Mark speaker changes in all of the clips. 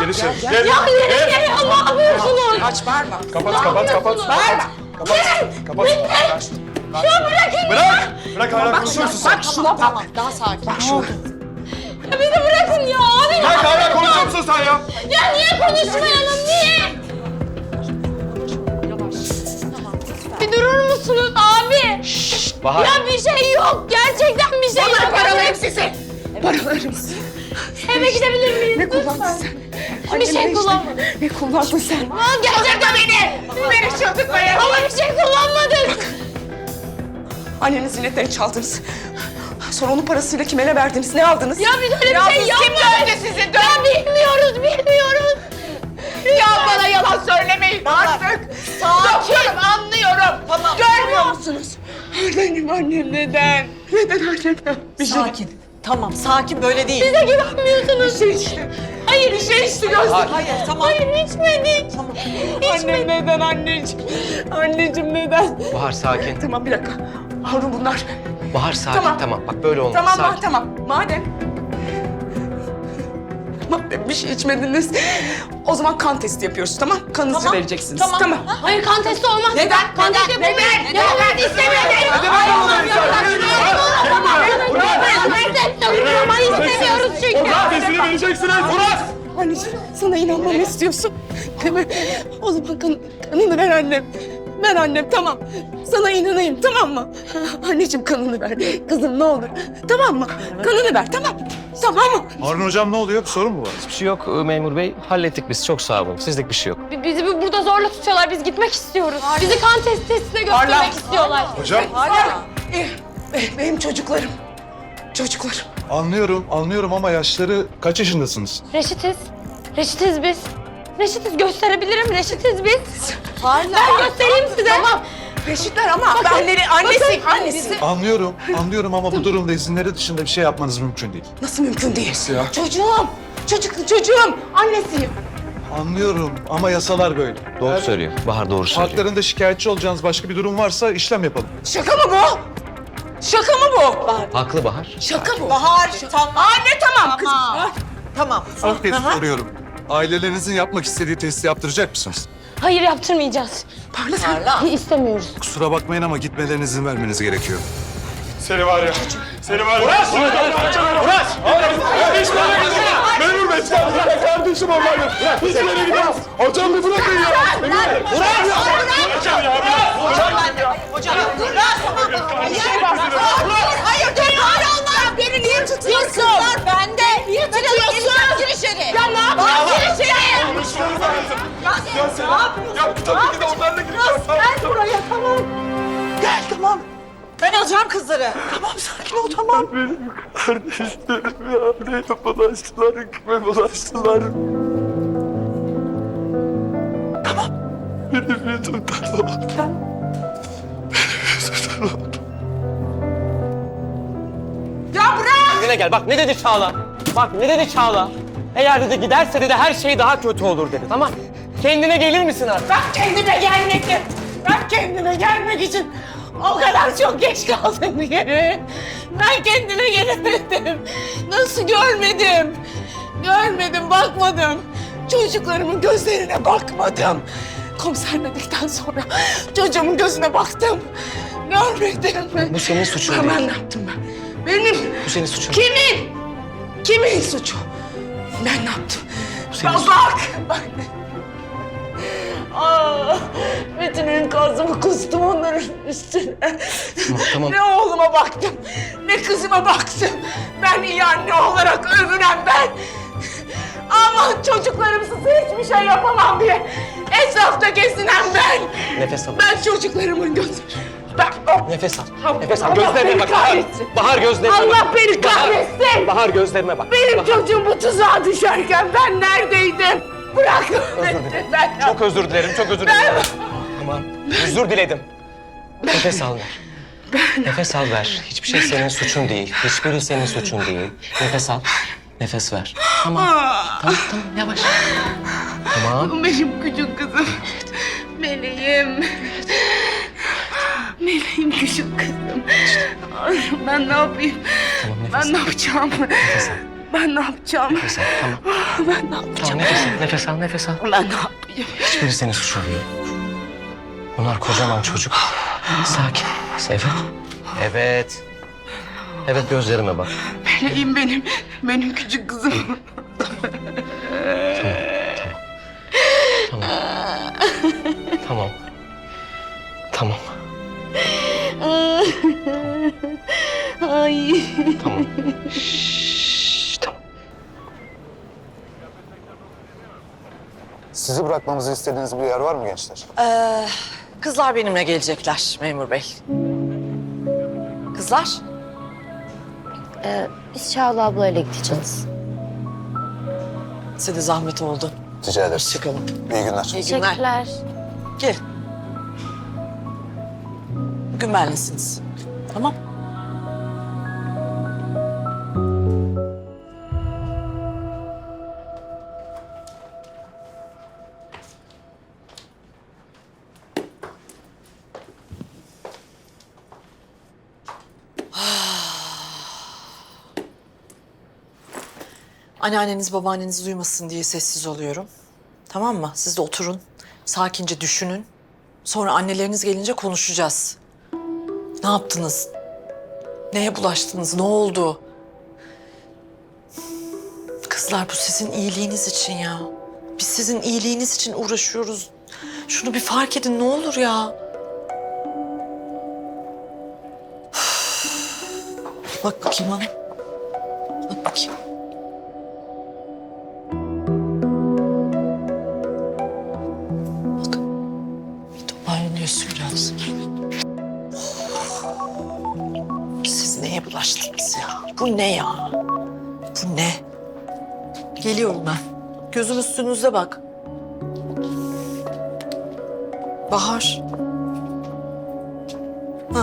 Speaker 1: Gel içeri. Gel.
Speaker 2: Ya yürü gel ya, ne yapıyorsunuz?
Speaker 3: Aç bağırma.
Speaker 1: Kapat.
Speaker 3: Bağırma.
Speaker 1: Kapat.
Speaker 2: Ya bırakın.
Speaker 1: Bırak hala konuşuyor musun sen?
Speaker 3: Bak şuna bak. Daha sakin. Bak şuna.
Speaker 2: Ya beni bırakın ya abi.
Speaker 1: Bırak hala konuşuyor musun sen ya?
Speaker 2: Ya niye konuşmayalım, niye? Bir durur musunuz abi?
Speaker 4: Bahar.
Speaker 2: Ya bir şey yok. Gerçekten bir şey yok.
Speaker 3: Paralarım sizi. Paralarım.
Speaker 2: Eve gidebilir miyiz?
Speaker 3: Ne kullandın sen?
Speaker 2: Bir şey kullanmadım.
Speaker 3: Ne kullandın sen?
Speaker 2: Aa, gerçekten beni.
Speaker 3: Beni çıldırtmayın.
Speaker 2: Ama bir şey kullanmadık.
Speaker 3: Annenin ziynetlerini çaldınız. Sonra onun parasıyla kime ne verdiniz? Ne aldınız?
Speaker 2: Ya biz öyle bir şey yapmadık.
Speaker 3: Kim dövdü sizi?
Speaker 2: Ya bilmiyoruz.
Speaker 3: Ya bana yalan söylemeyin artık. Doktorum, anlıyorum. Tamam. Görmüyor musunuz? Benim annem neden? Neden annem?
Speaker 5: Sakin. Tamam, sakin böyle değil.
Speaker 2: Bize güvenmiyorsunuz.
Speaker 3: Bir şey içti.
Speaker 2: Hayır,
Speaker 3: Bir şey içti göster.
Speaker 5: Hayır, tamam.
Speaker 2: Hayır, içmedik.
Speaker 5: Tamam.
Speaker 3: Annem neden anneciğim? Anneciğim neden?
Speaker 4: Bahar sakin.
Speaker 3: Tamam bir dakika. Harun bunlar.
Speaker 4: Bahar sakin.
Speaker 3: Tamam.
Speaker 4: Tamam. Bak böyle olmaz.
Speaker 3: Tamam
Speaker 4: sakin.
Speaker 3: tamam. Madem bir şey içmediniz. O zaman kan testi yapıyoruz, tamam? Kanınızı
Speaker 5: Tamam,
Speaker 3: vereceksiniz.
Speaker 5: tamam.
Speaker 2: Hayır, kan testi olmaz.
Speaker 3: Neden?
Speaker 2: Kan testi
Speaker 3: Neden?
Speaker 2: yapamayız.
Speaker 3: Neden?
Speaker 2: Ya ben istemiyorum. Ama istemiyoruz çünkü.
Speaker 1: Adresini vereceksiniz. Murat!
Speaker 3: Anneciğim sana inanmamı istiyorsun. Değil mi? O zaman kanını ver annem. Ver annem, tamam. Sana inanayım, tamam mı? Anneciğim kanını ver. Kızım ne olur. Tamam mı? Kanını ver, tamam. Tamam mı?
Speaker 1: Harun hocam ne oluyor? Bir sorun mu var?
Speaker 4: Hiçbir şey yok memur bey. Hallettik biz. Çok sağ olun. Sizlik bir şey yok.
Speaker 2: Bizi burada zorla tutuyorlar. Biz gitmek istiyoruz. Bizi kan testine götürmek istiyorlar.
Speaker 1: Hocam
Speaker 3: Benim çocuklarım. Çocuklarım.
Speaker 1: anlıyorum ama yaşları kaç yaşındasınız?
Speaker 2: Reşitiz biz. Reşitiz, gösterebilirim. Reşitiz biz. Ben göstereyim size. Tamam.
Speaker 3: Reşitler ama benleri annesi.
Speaker 1: Anlıyorum ama bu durumda izinleri dışında bir şey yapmanız mümkün değil.
Speaker 3: Nasıl mümkün değil?
Speaker 1: ya?
Speaker 3: Çocuğum. Annesiyim.
Speaker 1: Anlıyorum ama yasalar böyle.
Speaker 4: Doğru söylüyor. Bahar doğru söylüyor.
Speaker 1: Haklarında şikayetçi olacağınız başka bir durum varsa işlem yapalım.
Speaker 3: Şaka mı bu? Şaka mı bu?
Speaker 4: Haklı Bahar.
Speaker 3: Şaka bu.
Speaker 5: Bahar, tamam.
Speaker 3: Anne tamam kızım.
Speaker 5: Tamam.
Speaker 1: Son kez soruyorum. Ailelerinizin yapmak istediği testi yaptıracak mısınız?
Speaker 2: Hayır, yaptırmayacağız.
Speaker 5: Parla.
Speaker 2: İstemiyoruz.
Speaker 1: Kusura bakmayın ama gitmelerine izin vermeniz gerekiyor. Seni var ya. Murat! Hiç böyle gidemez. Memur Bey, kardeşim onlarla. Hiç böyle gidemez. Hocam bir bırakın ya.
Speaker 5: Hocam, dur. Hayır, dur. Allah, beni niye tutuyorsun? Ben de. Niye tutuyorsun? Gir içeri. Ya ne yapıyorsun? Gir içeri.
Speaker 1: Ya tabii ki de onlarla gideceğim.
Speaker 5: Gel buraya, tamam. Gel, tamam. Ben alacağım kızları. Tamam, sakin ol, tamam.
Speaker 1: Benim kardeşlerim ya. Neye bulaştılar, kime bulaştılar.
Speaker 5: Tamam.
Speaker 1: Benim yüzümden oldu.
Speaker 3: Ya bırak!
Speaker 4: Kendine gel. Bak ne dedi Çağla? Bak ne dedi Çağla? Eğer dedi giderse dedi her şey daha kötü olur dedi. Tamam. Kendine gelir misin artık?
Speaker 3: Ben kendime gelmek için o kadar çok geç kaldım diye. Ben kendime gelemedim. Nasıl görmedim? Görmedim, bakmadım. Çocuklarımın gözlerine bakmadım. Komiser dedikten sonra çocuğumun gözüne baktım. Görmedim.
Speaker 4: Bu senin suçun
Speaker 3: Ben
Speaker 4: değil.
Speaker 3: ne yaptım ben? Benim.
Speaker 4: Bu senin suçun.
Speaker 3: Kimin? Kimin suçu? Ben ne yaptım?
Speaker 4: senin
Speaker 3: Bak. Bütün enkazımı kustum onların üstüne.
Speaker 4: Tamam.
Speaker 3: Ne oğluma baktım, ne kızıma baktım. Ben iyi anne olarak övünen ben. Ama çocuklarımsız hiçbir şey yapamam diye etrafta gezinen ben.
Speaker 4: Nefes al.
Speaker 3: Ben çocuklarımın gözü...
Speaker 4: Nefes al.
Speaker 3: Allah
Speaker 4: Nefes al.
Speaker 3: beni
Speaker 4: Gözlerine bak. Bahar.
Speaker 3: kahretsin.
Speaker 4: Bahar gözlerine bak.
Speaker 3: Allah beni kahretsin.
Speaker 4: Bahar gözlerime bak.
Speaker 3: Benim
Speaker 4: Bahar.
Speaker 3: çocuğum bu tuzağa düşerken ben neredeydim? Bırak
Speaker 4: Özür dilerim.
Speaker 3: ben.
Speaker 4: Çok özür dilerim. Çok özür dilerim. Tamam. Özür diledim. Nefes al ver. Nefes al ver. Hiçbir şey senin suçun değil. Hiçbiri senin suçun değil. Nefes al. Nefes ver. Tamam. Tamam yavaş. Tamam.
Speaker 3: Benim küçük kızım. Meleğim. Meleğim küçük kızım. Ben ne yapayım?
Speaker 4: Tamam nefes
Speaker 3: Ben
Speaker 4: al.
Speaker 3: ne yapacağım?
Speaker 4: Nefes al.
Speaker 3: Ben ne yapacağım?
Speaker 4: Nefes al, tamam.
Speaker 3: Ben ne yapacağım?
Speaker 4: Tamam, nefes al, nefes al.
Speaker 3: Ben ne yapayım?
Speaker 4: Hiçbiri senin suçun değil. Bunlar kocaman çocuk. Sakin. Evet. Evet. Evet, gözlerime bak.
Speaker 3: Meleğim benim. Benim küçük kızım.
Speaker 4: Tamam. Tamam.
Speaker 3: Ay.
Speaker 4: Tamam. Şşş, tamam.
Speaker 6: Sizi bırakmamızı istediğiniz bir yer var mı gençler?
Speaker 5: Kızlar benimle gelecekler memur bey. Kızlar?
Speaker 2: Biz Çağla ablayla gideceğiz.
Speaker 5: Size de zahmet oldu.
Speaker 6: Rica ederiz.
Speaker 5: Hoşçakalın.
Speaker 6: İyi günler.
Speaker 5: İyi günler.
Speaker 2: Teşekkürler.
Speaker 5: Gel. Bugün benlesiniz. Tamam. Anneanneniz, babaanneniz duymasın diye sessiz oluyorum. Tamam mı? Siz de oturun, sakince düşünün. Sonra anneleriniz gelince konuşacağız. Ne yaptınız? Neye bulaştınız? Ne oldu? Kızlar, bu sizin iyiliğiniz için ya. Biz sizin iyiliğiniz için uğraşıyoruz. Şunu bir fark edin ne olur ya. Bak bakayım bana. Bak bakayım. Bak. Bir toparlanıyorsun biraz. Siz neye bulaştınız ya? Bu ne ya? Bu ne? Geliyorum ben. Gözüm üstünüzde bak. Bahar. Ha.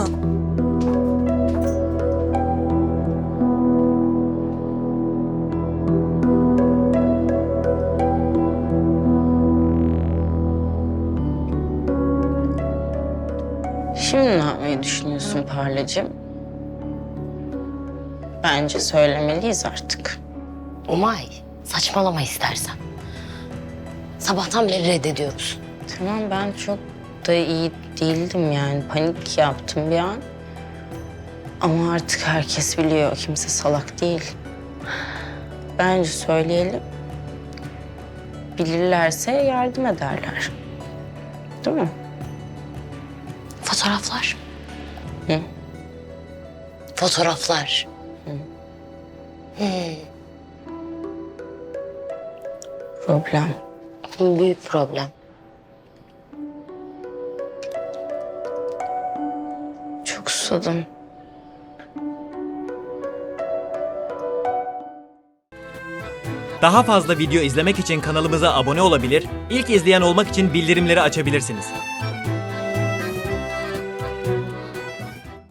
Speaker 7: Şimdi ne yapmayı düşünüyorsun Parlacığım? Bence söylemeliyiz artık.
Speaker 2: Umay, saçmalama istersen. Sabahtan beri reddediyoruz.
Speaker 7: Tamam, ben çok da iyi değildim yani. Panik yaptım bir an. Ama artık herkes biliyor. Kimse salak değil. Bence söyleyelim. Bilirlerse yardım ederler. Değil mi?
Speaker 2: Fotoğraflar.
Speaker 7: Hı?
Speaker 2: Fotoğraflar.
Speaker 7: Problem.
Speaker 2: Büyük problem.
Speaker 7: Çok susadım.
Speaker 8: Daha fazla video izlemek için kanalımıza abone olabilir, ilk izleyen olmak için bildirimleri açabilirsiniz.